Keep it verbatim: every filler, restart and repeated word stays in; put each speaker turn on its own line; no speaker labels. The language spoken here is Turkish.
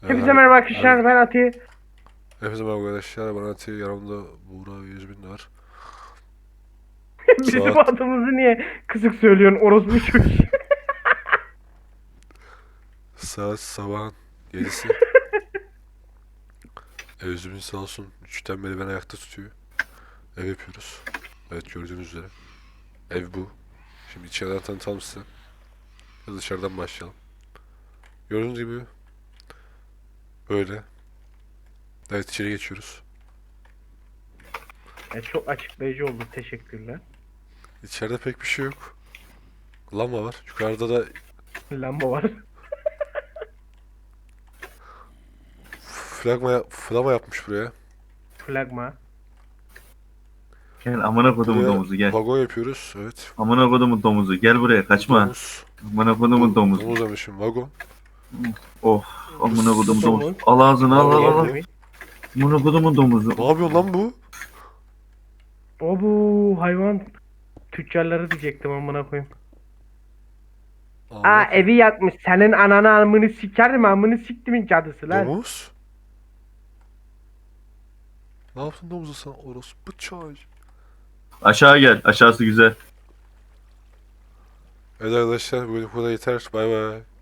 Hepinize
Ee,
merhaba arkadaşlar, ben Ati.
Hepinize merhaba arkadaşlar. Ben Ati. Yanımda Buğra yüz bin var.
Bizim
Saat
adımızı niye kısık söylüyorsun orospu çocuğu?
saat sabahın yedisi. E, yüz bin sağ olsun. Üçten beri beni ayakta tutuyor. Ev yapıyoruz. Evet, gördüğünüz üzere. Ev bu. Şimdi içeriden tanıtalım size. Ya da dışarıdan başlayalım. Gördüğünüz gibi böyle. Evet, içeri geçiyoruz.
Ya çok açıklayıcı oldu, teşekkürler.
İçeride pek bir şey yok. Lamba var. Yukarıda da
Lamba var.
flagma, flama yapmış buraya.
Flagma.
Gel amına kodumun
Buraya
domuzu gel.
vagon yapıyoruz. Evet.
Amına kodumun domuzu gel buraya kaçma.
Domuz.
Amına kodumun domuzu.
Domuz demişim. Vagon.
Of amına kodumun
Domuz.
domuzu. Al ağzını al al al. al.
Yemin.
Amına kodumun domuzu.
Ne yapıyor lan bu?
O bu hayvan tüccarları diyecektim amına koyayım. Aa,
Allah.
evi yakmış. Senin ananı amını sikerim, amını siktimin cadısı lan.
Domuz? Ne yaptın domuza sen orospu çay?
Aşağı gel aşağısı güzel.
Evet arkadaşlar, bu kadar yeter. Bay bay.